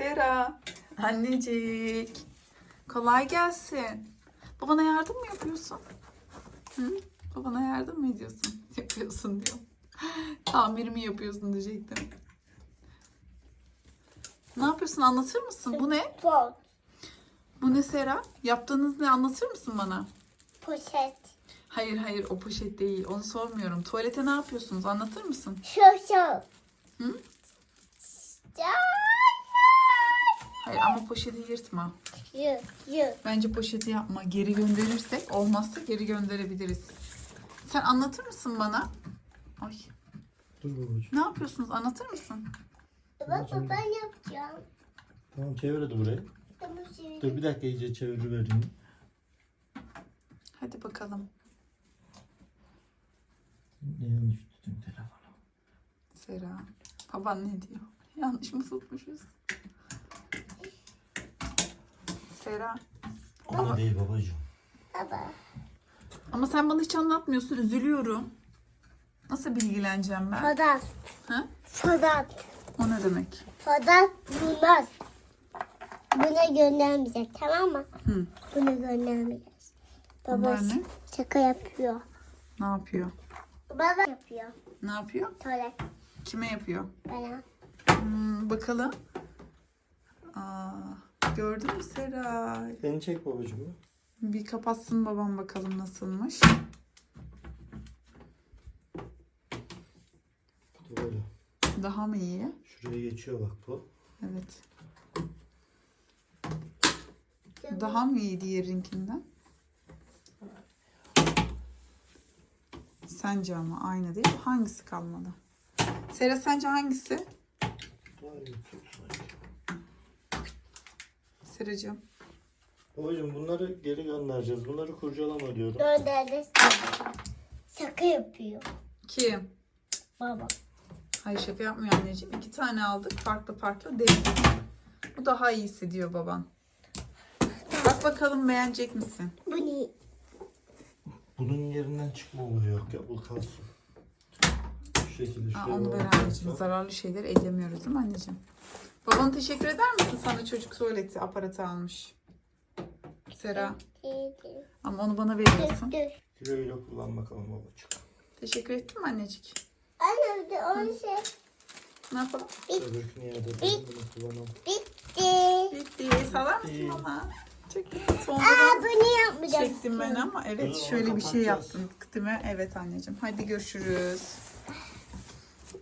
Sera. Annecik. Kolay gelsin. Babana yardım mı yapıyorsun? Hı? Babana yardım mı ediyorsun? Yapıyorsun diyor. Tamir mi yapıyorsun diyecektim. Ne yapıyorsun? Anlatır mısın? Bu ne? Pot. Bu ne Sera? Yaptığınız ne? Anlatır mısın bana? Poşet. Hayır o poşet değil. Onu sormuyorum. Tuvalete ne yapıyorsunuz? Anlatır mısın? Şoşo. Hı? Hayır ama poşeti yırtma. Yü. Bence poşeti yapma. Geri gönderirsek olmazsa geri gönderebiliriz. Sen anlatır mısın bana? Ay. Dur babacığım. Ne yapıyorsunuz? Anlatır mısın? Baba ben yapacağım. Tamam çevir hadi burayı. Tamam Dur bir dakika iyice çevirivereyim. Hadi bakalım. Ne yanlış tuttum telefonu. Sera. Baban ne diyor? Yanlış mı tutmuşuz? Sera. Ama değil babacığım. Baba. Ama sen bana hiç anlatmıyorsun. Üzülüyorum. Nasıl bilgileneceğim ben? Fadat. Ha? Fadat. O ne demek? Fadat bulmaz. Buna göndermeyecek, tamam mı? Hı. Bunu göndermeyeceğiz. Baba Bunlar ne? şaka yapıyor. Ne yapıyor? Baba yapıyor. Ne yapıyor? Tuvalet Kime yapıyor? bana. Bakalım. Aa, gördün mü Sera? Beni çek babacığım. Bir kapatsın babam bakalım nasılmış. Bu da böyle. Daha mı iyi? Şuraya geçiyor bak bu. Evet. Daha mı iyi diğerinkinden? Sence ama aynı değil mi? Hangisi kalmadı? Sera sence hangisi? Daha iyi tut sanki. Seracığım. Babacığım bunları geri göndereceğiz. Bunları kurcalama diyorum. Gönderdi. Şaka yapıyor. Kim? Baba. Hayır şaka yapmıyor anneciğim. 2 tane aldık. Farklı değil. Bu daha iyisi diyor baban. Bak bakalım beğenecek misin? Bu ne? Bunun yerinden çıkma olayı yok ya. Bu kalsın. Şu şekilde Aa, şuraya onu ver bağlayacağız. anneciğim. Zararlı şeyler ellemiyoruz değil mi anneciğim? Babana teşekkür eder misin? Sana çocuk tuvaleti aparatı almış. Sera. Ama onu bana veriyorsun. Dur. Güle güle kullan bakalım babacığım. Teşekkür ettin mi annecik? Anne de onu şey. Ne yapalım? Öbürkünü yerde bunu kullanalım. Bitti. Bitti. Salar mısın bana? Çektim. Sonra Aa da bunu yapmayacağız. çektim ben ama evet Onu şöyle bir şey kapatacağız. yaptım. Değil mi? Evet anneciğim. Hadi görüşürüz.